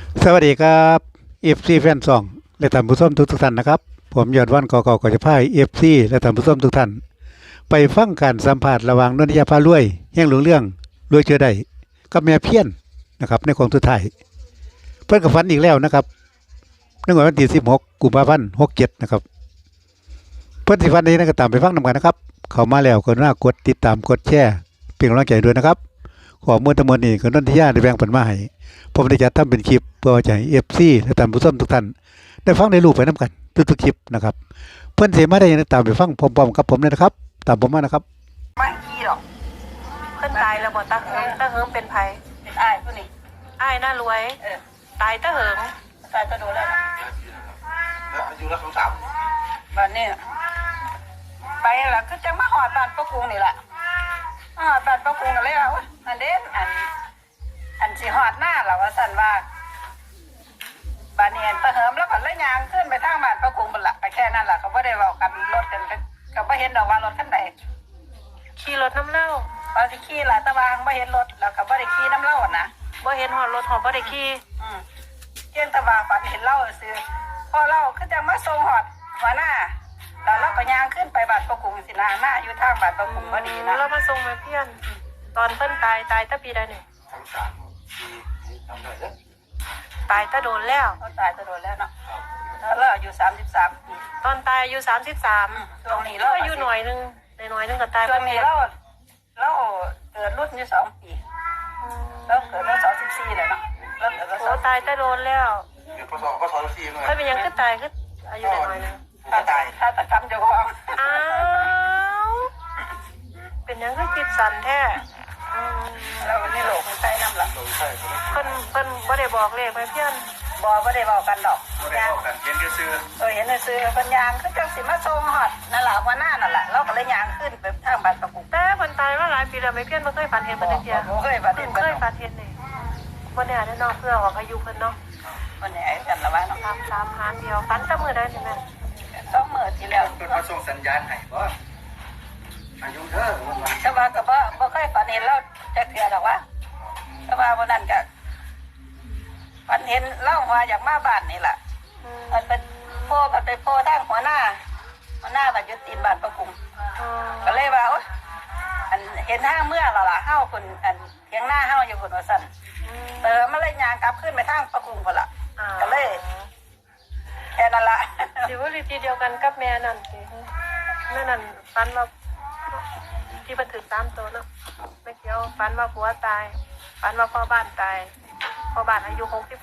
สวัสดีครับเอฟซีแฟนซองและท่านผู้ชมทุกท่านนะครับผมยอดวันกอกจะพายเอฟซีและท่านผู้ชมทุกท่านไปฟังการสัมภาษณ์ระหว่างนนทยาพารวยแห่งหลวงเรื่องรวยเชื่อได้กับแม่เพี้ยนนะครับในของสุดท้ายเพื่อนกับฟันอีกแล้วนะครับในวันที่16 กุมภาพันธ์67นะครับเพื่อนสิฟันนี้นะก็ตามไปฟังนำกันนะครับเข้ามาแล้วก็น่ากดติดตามกดแชร์เป็นกำลังใจด้วยนะครับขอมือทั้งหมดนี้ก็นนทยาได้แบ่งปันมาให้ผมได้จัดทำเป็นคลิปเพื่อจะให้เอฟซีและท่านผู้ชมทุกท่านได้ฟังได้รู้ไปน้ำกันทุกๆคลิปนะครับเพื่อนเสมาได้ยังตามไปฟังพร้อมๆกับผมเลยนะครับตามผมมานะครับไม่ขี้หรอกเพิ่นตายแล้วบ่ตาเหิงเป็นไผเป็นอ้ายผู้นี้อ้ายน่ารวยตายตาเหิงตายก็โดนแล้วนะแล้วอายุรักของสามบ้านนี้ไปแล้วคือจะมาหอดบ้านป้ากรุงนี่แหละหอดบ้านป้ากรุงกันเลยว่าอันเด่นอันสิหอดหน้าเราว่าสั่นว่าบ้านนี้ตะเหิมแล้วก็เลยยางขึ้นไปทางบ้านป้ากรุงบนละไปแค่นั้นแหละเขาไม่ได้บอกกันรถกันเขาไม่เห็นดอกว่ารถคันไหนขี่รถน้ำเล่าบางทีขี่หลายตะวางไม่เห็นรถแล้วก็ไม่ได้ขี่น้ำเล่านะบ่เห็นหอดรถหอบ่ได้ขี่เที่ยงตะวางฝันเห็นเล่าซื้อพอเล่าก็จะมาส่งหอดหัวหน้าแล้วเราก็ย่างขึ้นไปบ้านป้ากรุงสินาหน้าอยู่ทางบ้านป้ากรุงพอดีนะเรามาส่งแม่เพี้ยนตอนเพิ่นตายตาปีใดนี่ทั้งสามปีทำได้แล้วตายตาโดนแล้วเขาตายจะโดนแล้วเนาะแล้วเราอายุ33 ปีตอนตายอายุ33 ช่วงนี้เราอายุหน่อยนึงก็ตายช่วงนี้เราเกิดรุ่นอยู่2 ปีเราเกิดรุ่น24เลยเนาะเราเกิดรุ่นโอ้ตายตาโดนแล้วเดี๋ยวพศสี่เลยค่อยเป็นยังคือตายคืออายุน้อยนึงถ้าตะกรรมเจ้าของอ้าวเป็นยังคือคิดสั่นแท้เราในโลกมันใช้น้ำหลังเพิ่นบ่ได้บอกเลขแม่เพี้ยนไม่ได้บอกกันดอกยางกันเห็นซื้อเห็นซื้อปัญญางคือจังสิมาส่งหอดนั่นแหละวันหน้านั่นแหละเราก็เลยยางขึ้นไปทางบ้านประกุกแต่เพิ่นตายมาหลายปีแล้วแม่เพี้ยนบ่เคยฝันเห็นเพิ่นจักเที่ยเคยฝันเห็นนี่บ่แน่แน่นอนเพื่อออกอายุเพิ่นเนาะวันนี้กันละว่าเนาะ 3หารเดียวฝันแต่มื้อใดนี่แม่ 2 มื้อที่แล้วเพิ่นมาส่งสัญญาณให้บ่อายุเด้อแต่ว่าก็บ่เคยฝันเห็นเราจักเทื่อดอกว่าแต่ว่าวันนั้นก็ฝันเห็นเล่าว่าอยากมาบ้านนี่แหละมันเป็นพ่อมันไปพ่อทางหัวหน้าบัดยุตินบ้านประกุงก็เลยว่าอันเห็นทางเมื่อเราล่ะเฮาคนอันเทียงหน้าเฮาอยู่คนว่าสั่นมาเลยยางกลับขึ้นไปทางประกุงคนละก็เลยแค่นั้นละสิว่าวิธีเดียวกันกับแม่นั่นสินั่นฝันว่าที่บันทึก3ตัวเนาะไม่เกี่ยวฝันว่าผัวตายฝันว่าพ่อบ้านตายพ่อบ้านอายุ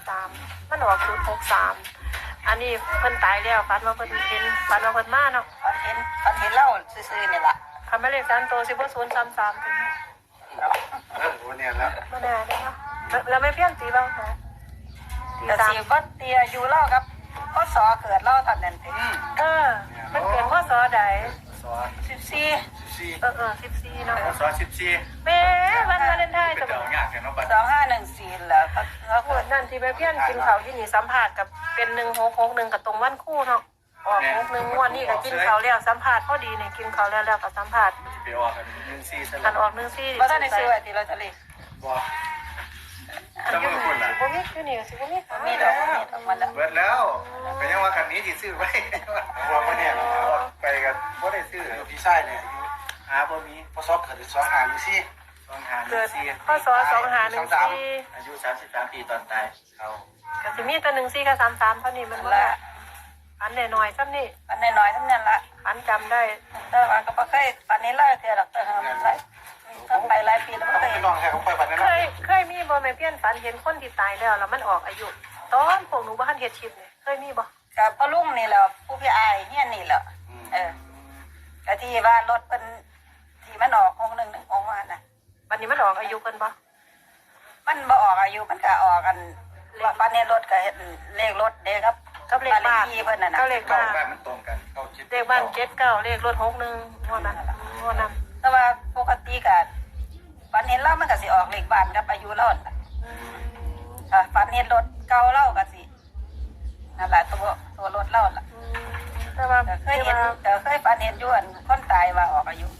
63มันออก063อันนี้เพิ่นตายแล้วฝันว่าเพิ่นเห็นฝันว่าเพิ่นมาเนาะฝันเห็นเล่าซื่อๆนี่ล่ะคำไม่เลข3ตัวสิบ่033ถึงวันนี้แล้วบ่แน่เด้เนาะแล้วไม่เพี้ยนตีบ้างคะแต่สิบ่เตียอยู่เล่าครับพศเกิดเล่าตอนนั้นถึงมันเกิดพศใด 14 14เนาะพศ14 แม่วันวาเลนไทน์จะเอายากแค่เนาะบัด 2514แล้วเขาพูดนั่นที่แม่เพี้ยนกินข้าวที่นี่สัมภาษณ์กับเป็น1661กับตรงวันคู่เนาะออก61งวดนี่ก็กินข้าวแล้วสัมภาษณ์พอดีนี่กินข้าวแล้วก็สัมภาษณ์ไปออกกัน14ซะคันออก14 บ่ทันได้ซื้อไว้ที่ลอตเตอรี่บ่จำเป็นคนล่ะบ่มีคือนี่สิบ่มีดอกมันเบิดแล้วก็ยังว่าคันนี้สิซื้อไว้ว่าบ่เนี่ยไปกันบ่ได้ซื้อพี่ชายเนี่ยหาบ่มีพศเกิด25อยู่ซี่เกิดพศ2514 อายุ33ปีตอนตายเขาก็สิมีแต่14กับ33เท่านี้มันบ่ละอันน้อยๆซ้ำนี่อันน้อยๆทั้งนั้นละอันจำได้แต่ว่าก็บ่เคยปานนี้เลยเทื่อดอกมันหลายต้องไปหลายปีแล้วบ่เคยน้องแค่ของไปบัดนั้นเคยมีบ่แม่เพี้ยนฝันเห็นคนที่ตายแล้วมันออกอายุตอนพวกหนูบ่ทันเฮ็ดชิปนี่เคยมีบ่กับพ่อลุงนี่แหละผู้พี่อายเฮียนนี่แหละก็ที่ว่ารถเพิ่นที่มันออก61ของว่าน่ะวันนี้มันออกอายุเพิ่นบ่มันบ่ออกอายุมันก็ออกกันว่าปานนี้รถก็เฮ็ดเลขรถเด้ครับกับเลขบ้านเพิ่นน่ะนะก็เลขบ้านมันตรงกันเลขบ้าน79เลขรถ61งวดนั้นแต่ว่าปกติก็ฝันเห็นเรามันก็สิออกเลขบ้านกับอายุเราฝันเห็นรถเก่าเราก็สินั่นแหละตัวรถเราล่ะแต่ว่าเคยฝันเห็นอยู่อันคนตายว่าออกอายุ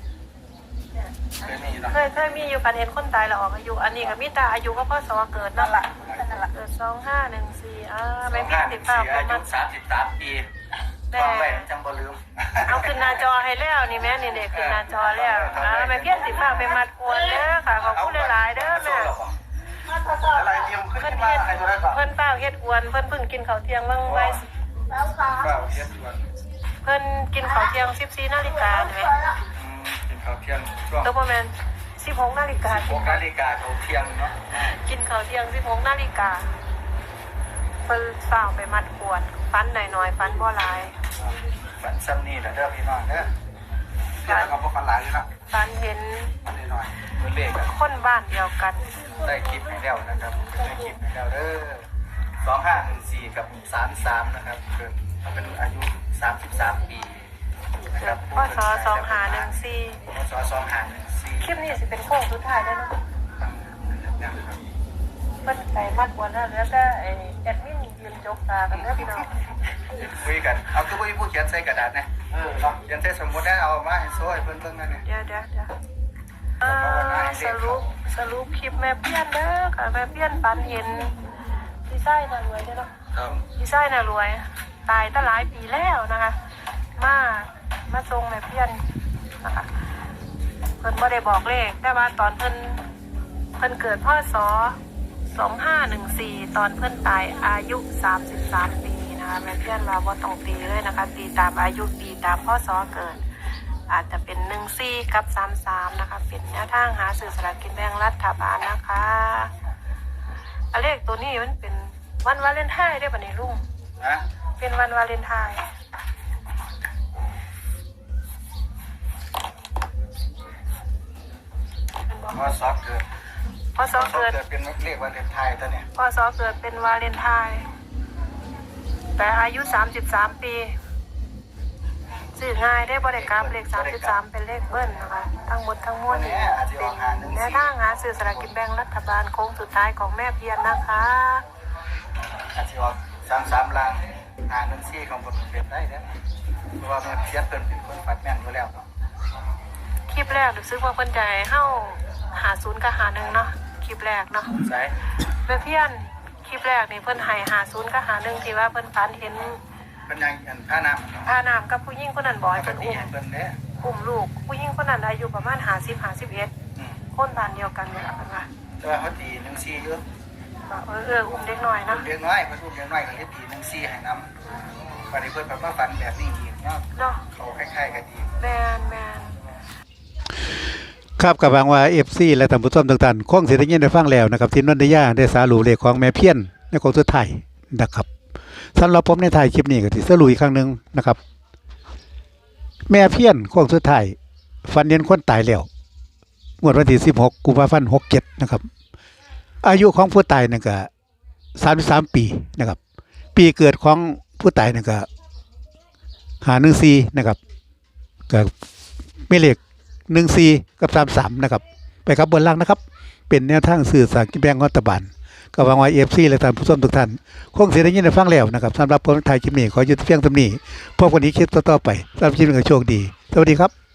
เคยมีอยู่ฝันเห็นคนตายแล้วออกอายุอันนี้ก็มีแต่อายุก็พศเกิดนั่นล่ะเกิด2514แม่เพี้ยนติดฝากอามายุ33 ปีวางไว้จังบ่ลืมเอาขึ้นหน้าจอให้แล้วนี่แม่นี่เด็กขึ้นหน้าจอแล้วแม่เพี้ยนติดฝากไปมัดกวนเด้อค่ะขอบคุณหลายๆเด้อแม่อะไรเตรียมขึ้นเพิ่นมาเฮ็ดให้ตัวนั้นก่อนเพิ่นเป้าเฮ็ดอวนเพิ่นเพิ่งกินข้าวเที่ยงวังไว้เปล่าเทียบด่วนเพิ่นกินข้าวเที่ยง14นาฬิกาใช่ไหมกินข้าวเที่ยงช่วงตัวประมาณ16นาฬิกา 6 นาฬิกาข้าวเที่ยงเนาะกินข้าวเที่ยง16นาฬิกาเพิ่นเฝ้าไปมัดกวนฟันหน่อยๆฟันบ่หลายฝันซ้ำนี่แหละเด้อพี่น้องเด้อเดี๋ยวเราก็บ่ฝันหลายอยู่เนาะฟันเห็นฝันน้อยๆตัวเลขอะคนบ้านเดียวกันได้คลิปให้แล้วนะครับได้คลิปให้แล้วเด้อ2514กับ33นะครับเกิดเป็นอายุ33 ปีนะคเกิรัดบพศ2514 พศ2514 คลิปนี้สิเป็นโค้งสุดท้ายแล้วเนาะนะครับเพิ่นไปมัดกวนแล้วแต่ไอ้แอดมินยืนจกตากันเด้อพี่น้องคุยกันเอาคือผู้เขียนใส่กระดาษนะเขียนใส่สมมุติได้เอามาให้โซ่ให้เพิ่นนั่นเนี่ยเดี๋ยวสรุปคลิปแม่เปี้ยนเด้อค่ะแม่เปี้ยนปันเห็นพี่ไส้น่ะรวยเด้อเนาะครับพี่ไส้น่ะรวยตายตั้งหลายปีแล้วนะคะมาทรงแม่เปี้ยนนะคะเพิ่นบ่ได้บอกเลขแต่ว่าตอนเพิ่นเกิดพศ2514ตอนเพิ่นตายอายุ33ปีนะคะแม่เปี้ยนว่าบ่ต้องตีเลยนะคะตีตามอายุตีตามพศเกิดอาจจะเป็น14กับ33นะคะเป็นแนวทางหาซื้อสลากกินแบ่งรัฐบาลนะคะเลขตัวนี้มันเป็นวันวาเลนไทน์ได้ป่ะเนี่ยลุงนะเป็นวันวาเลนไทน์เป็นบอกพศเกิดพศเกิดเป็นเลขวันเลนไทยตัวเนี่ยพศเกิดเป็นวาเลนไทน์แต่อายุ33ปีสื่อง่ายได้บริกรรมเลข33เป็นเลขเบิ้ลนะคะทั้งหมดทั้งมวลนี่เป็นแนวทางหาซื้อสลากกินแบ่งรัฐบาลโค้งสุดท้ายของแม่เพียรนะคะอาจจะออก33ล้าน1-4ของบทเป็นได้นะเพราะว่าแม่เพียรเพิ่นเป็นคนฟัดแม่นอยู่แล้วเนาะคลิปแรกรู้สึกว่าเพิ่นใจเฮ้าหา0กับหา1เนาะคลิปแรกเนาะใช่แม่เพียรคลิปแรกนี่เพิ่นให้หา0กับหา1ที่ว่าเพิ่นฝันเห็นเป็นยังอันผ้าน้ำพาน้ำกับผู้หญิงคนนั้นบ่อยเพิ่นดีอุ้มเพิ่นเด้อุ้มลูกผู้หญิงคนนั้นอายุประมาณ50-51คนบ้านเดียวกันนี่ล่ะเพิ่นว่าแต่ว่าเขาตี1-4อยู่ว่าอุ้มเด็กน้อยเนาะเลี้ยงน้อยเพิ่นอุ้มเลี้ยงน้อยก็เลยตี1-4ให้นำวันนี้เพิ่นแบบว่าฝันแบบนี้อีกเนาะเนาะเขาคล้ายๆกันอีกแม่นครับกับหวังว่า FC และท่านผู้ชมทุกท่านคงสิได้ยินได้ฟังแล้วนะครับที่นนทยาได้สารุปเลขของแม่เพี้ยนในของสุดท้ายนะครับสำหรับผมในถ่ายคลิปนี้ก็สิสรุปอีกครั้งหนึงนะครับ แม่เพี้ยนของสุดท้ายฟันเห็นคนตายแล้วงวดวันที่16กุมภาพันธ์67นะครับอายุของผู้ตายนั่นก็33ปีนะครับปีเกิดของผู้ตายนั่นก็514นะครับก็ไม่เลข14กับ33นะครับไปครับบนล่างนะครับเป็นแนวทางสื่อสารกินแบ่งรัฐบาลก็หวังว่า FC และท่านผู้ชมทุกท่านคงสิได้ยินได้ฟังแล้วนะครับสำหรับผมถ่ายคลิปนี้ขอหยุดเพียงเท่านี้พบกันอีกคลิปต่อๆไปสำหรับคลิปนี้ก็โชคดีสวัสดีครับ